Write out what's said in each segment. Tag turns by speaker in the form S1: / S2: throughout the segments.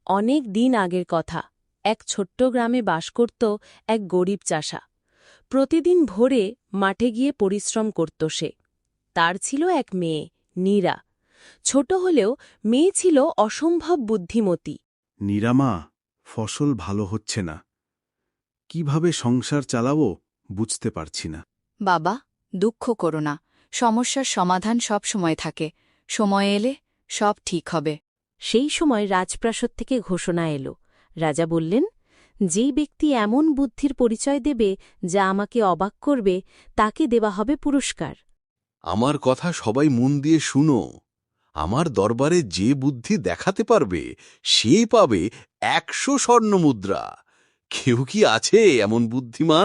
S1: অনেক দিন আগের কথা। এক ছোট্ট গ্রামে বাস করত এক গরিব চাষা। প্রতিদিন ভোরে মাঠে গিয়ে পরিশ্রম করত সে। তার ছিল এক মেয়ে, নীরা। ছোট হলেও মেয়ে ছিল অসম্ভব বুদ্ধিমতী।
S2: নিরামা, ফসল ভালো হচ্ছে না। কিভাবে সংসার চালাবো বুঝতে পারছি না।
S3: বাবা, দুঃখ করো না। সমস্যার সমাধান সব সময় থাকে। সময় এলে সব ঠিক হবে।
S1: সেই সময় রাজপ্রাসাদ থেকে ঘোষণা এলো। রাজা বললেন, যেই ব্যক্তি এমন বুদ্ধির পরিচয় দেবে যা আমাকে অবাক করবে, তাকে দেওয়া হবে পুরস্কার।
S4: আমার কথা সবাই মন দিয়ে শুনো। আমার দরবারে যে বুদ্ধি দেখাতে পারবে সে পাবে 100 স্বর্ণমুদ্রা। কেউ কি আছে এমন বুদ্ধিমান?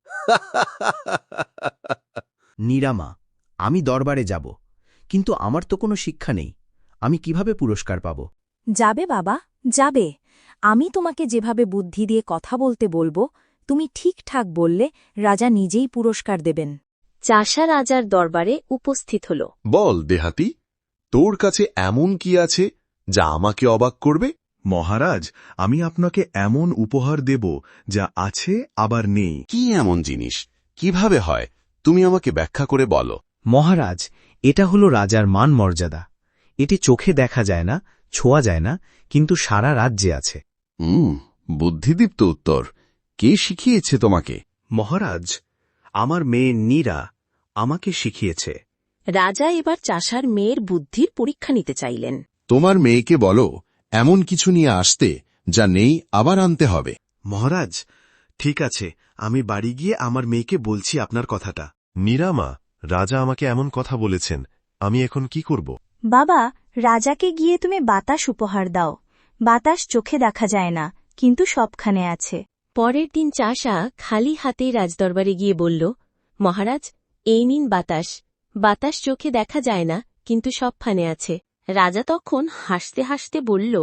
S5: নিরামা, আমি দরবারে যাব, কিন্তু আমার তো কোনো শিক্ষা নেই। আমি কিভাবে পুরস্কার পাব?
S6: যাবে বাবা, যাবে। আমি তোমাকে যেভাবে বুদ্ধি দিয়ে কথা বলতে বলবো, তুমি ঠিকঠাক বললে রাজা নিজেই পুরস্কার দেবেন।
S1: চাষা রাজার দরবারে উপস্থিত হল।
S4: বল দেহাতি, তোর কাছে এমন কি আছে যা আমাকে অবাক করবে?
S2: মহারাজ, আমি আপনাকে এমন উপহার দেব যা আছে আবার নেই।
S4: কি এমন জিনিস? কিভাবে হয়? তুমি আমাকে ব্যাখ্যা করে বলো।
S5: মহারাজ, এটা হলো রাজার মান মর্যাদা। এটি চোখে দেখা যায় না, ছোঁয়া যায় না, কিন্তু সারা রাজ্যে আছে।
S4: বুদ্ধিদীপ্ত উত্তর। কে শিখিয়েছে তোমাকে?
S2: মহারাজ, আমার মেয়ে নীরা আমাকে শিখিয়েছে।
S1: রাজা এবার চাষার মেয়ের বুদ্ধির পরীক্ষা নিতে চাইলেন।
S4: তোমার মেয়েকে বলো এমন কিছু নিয়ে আসতে যা নেই আবার আনতে হবে।
S2: মহারাজ, ঠিক আছে, আমি বাড়ি গিয়ে আমার মেয়েকে বলছি আপনার কথাটা।
S7: নিরামা, রাজা আমাকে এমন কথা বলেছেন, আমি এখন কি করব?
S6: বাবা, রাজাকে গিয়ে তুমি বাতাস উপহার দাও। বাতাস চোখে দেখা যায় না, কিন্তু সবখানে আছে।
S1: পরের দিন চাষা খালি হাতেই রাজদরবারে গিয়ে বলল, মহারাজ, এই নিন বাতাস। বাতাস চোখে দেখা যায় না, কিন্তু সবখানে আছে। রাজা তখন হাসতে হাসতে বলল,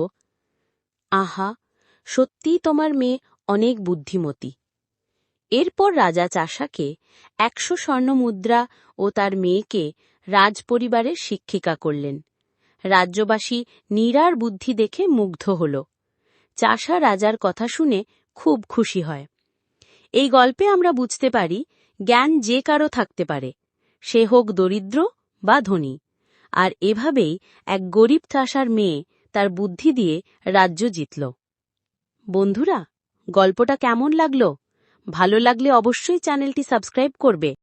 S1: আহা, সত্যিই তোমার মেয়ে অনেক বুদ্ধিমতী। এরপর রাজা চাষাকে 100 স্বর্ণমুদ্রা ও তার মেয়েকে রাজপরিবারের শিক্ষিকা করলেন। রাজ্যবাসী নীরার বুদ্ধি দেখে মুগ্ধ হল। চাষা রাজার কথা শুনে খুব খুশি হয়। এই গল্পে আমরা বুঝতে পারি, জ্ঞান যে কারো থাকতে পারে, সে হোক দরিদ্র বা ধনী। আর এভাবেই এক গরিব চাষার মেয়ে তার বুদ্ধি দিয়ে রাজ্য জিতল। বন্ধুরা, গল্পটা কেমন লাগলো? ভালো লাগলে অবশ্যই চ্যানেলটি সাবস্ক্রাইব করবে।